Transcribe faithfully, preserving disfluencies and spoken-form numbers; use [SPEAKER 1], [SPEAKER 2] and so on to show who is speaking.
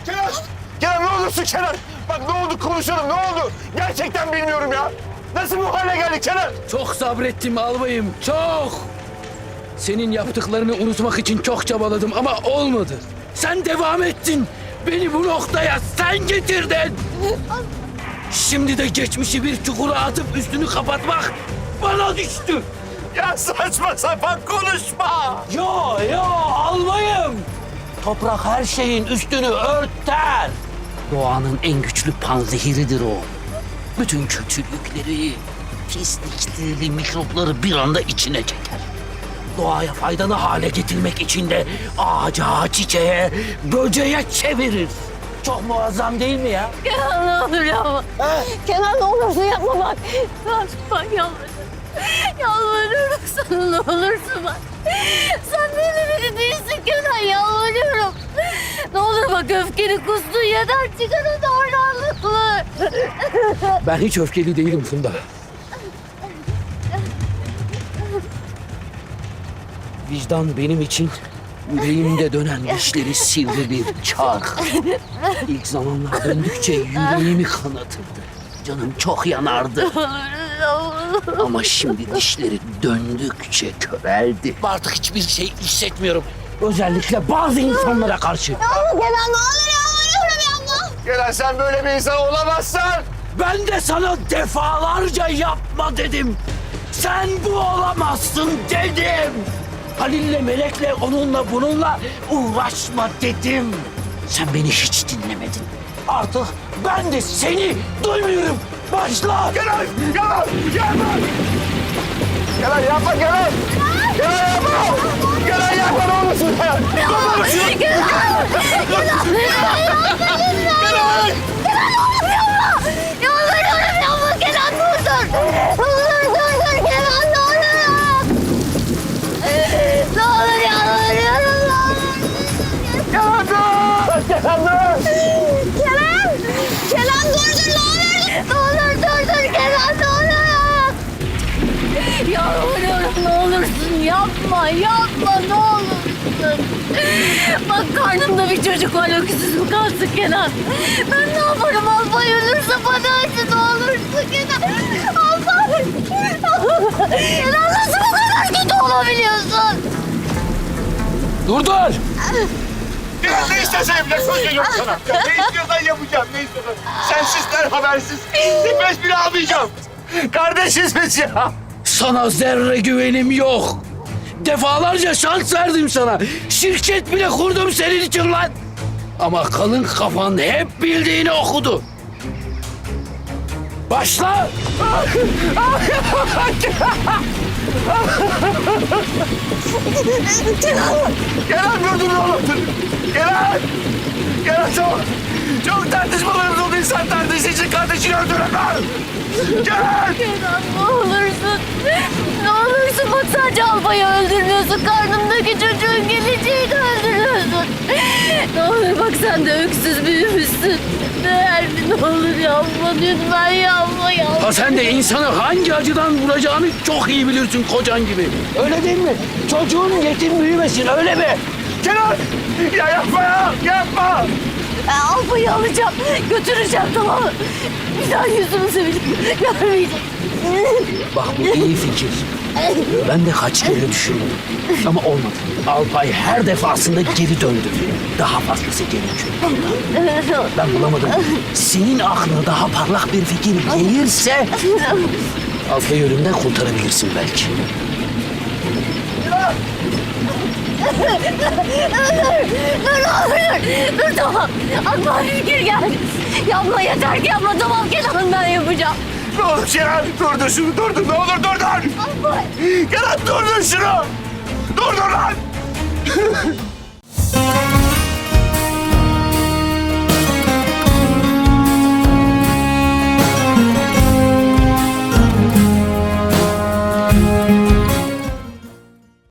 [SPEAKER 1] Kenan! Kenan ne olursun Kenan! Bak ne oldu konuşalım ne oldu? Gerçekten bilmiyorum ya. Nasıl bu hale geldik Kenan?
[SPEAKER 2] Çok sabrettim albayım, çok. Senin yaptıklarını unutmak için çok çabaladım ama olmadı. Sen devam ettin. Beni bu noktaya sen getirdin. Şimdi de geçmişi bir çukura atıp üstünü kapatmak bana düştü.
[SPEAKER 1] Ya saçma sapan konuşma!
[SPEAKER 2] Yo yo albayım. Toprak her şeyin üstünü örter. Doğanın en güçlü panzehiridir o. Bütün kötülükleri, pislikleri, mikropları bir anda içine çeker. Doğaya faydalı hale getirmek için de ağaca, çiçeğe, böceğe çevirir. Çok muazzam değil mi ya?
[SPEAKER 3] Kenan ne olur yapma. Kenan ne olursun yapma bak. Bak yalvarırım. Yalvarıyorum sana ne olursun bak. Sen benim biri değilsin Kenan yalvarıyorum. Ne olur bak öfkeni kustun yeter çıkar o davranlıklı.
[SPEAKER 2] Ben hiç öfkeli değilim Funda. Vicdan benim için yüreğimde dönen dişleri sivri bir çark. İlk zamanlar döndükçe yüreğimi kanatırdı. Canım çok yanardı. Ama şimdi dişleri döndükçe köreldi. Artık hiçbir şey hissetmiyorum. Özellikle bazı insanlara karşı.
[SPEAKER 3] Kenan ne olur yalvarıyorum yapma.
[SPEAKER 1] Kenan sen böyle bir insan olamazsın!
[SPEAKER 2] Ben de sana defalarca yapma dedim. Sen bu olamazsın dedim. Halil'le Melek'le onunla bununla uğraşma dedim. Sen beni hiç dinlemedin. Artık ben de seni duymuyorum. Başla.
[SPEAKER 1] Kenan! Kenan! Yapma! Kenan yapma Kenan! Kenan yapma! Kenan yapma ne olursun Kenan! Yapma şunu!
[SPEAKER 3] Kenan! Kenan!
[SPEAKER 1] Kenan!
[SPEAKER 3] Yalvarıyorum yapma Kenan dur dur. Dur dur dur Kenan ne olur. Ne olur yalvarıyorum ne olur.
[SPEAKER 1] Kenan dur! Kenan dur!
[SPEAKER 3] Kenan! Kenan dur dur ne olur. Ne olur dur dur Kenan ne olur. Yalvarıyorum ne olursun yapma yapma ne olursun. Bak karnımda bir çocuk var öksüz mü kalsın Kenan. Ben ne yaparım Alpay ölürse bana acı ne olursun Kenan. Alpay. Kenan nasıl bu kadar kötü olabiliyorsun?
[SPEAKER 2] Dur dur.
[SPEAKER 1] Kenan ne istersen yapacak söz veriyorum sana. Ya ne istiyorsan yapacağım ne istiyorsan. Sensizler habersiz. Nefes bile almayacağım. Kardeşiz biz ya.
[SPEAKER 2] Sana zerre güvenim yok. Defalarca şans verdim sana. Şirket bile kurdum senin için lan. Ama kalın kafan hep bildiğini okudu. Başla.
[SPEAKER 1] Kenan dur dur oğlum dur. Kenan. Kenan çok. Çok tartışmalarımız oldu. İnsan tartıştığı için kardeşini öldüremez. Kenan.
[SPEAKER 3] Kenan ne olursun. Ne olursun bak sadece Alpay'ı öldürmüyorsun. Karnımdaki çocuğun geleceğini öldürüyorsun. Ne olur bak sen de öksüz büyümüşsün. Değer mi ne olur yapma lütfen yapma yapma.
[SPEAKER 2] Ha sen de insanı hangi acıdan vuracağını çok iyi bilirsin kocan gibi. Öyle değil mi? Çocuğun yetim büyümesin öyle mi?
[SPEAKER 1] Kenan. Ya yapma ya. Yapma.
[SPEAKER 3] Ben Alpay'ı alacağım. Götüreceğim tamam mı? Bir daha yüzümüzü bile görmeyecek.
[SPEAKER 2] Bak bu iyi fikir. Ben de kaç kere düşündüm. Ama olmadı. Alpay her defasında geri döndü. Daha fazlası gerekiyor. Ben bulamadım. Senin aklına daha parlak bir fikir gelirse... Alpay'ı ölümden kurtarabilirsin belki.
[SPEAKER 3] Dur olur. Dur tamam. Aklıma bir fikir geldi. Yapma yeter ki yapma tamam Kenan ben yapacağım.
[SPEAKER 1] Ne olur Kenan. Durdur şunu durdur. Ne olur durdur.
[SPEAKER 3] Alpay.
[SPEAKER 1] Kenan durdur şunu. Durdur lan.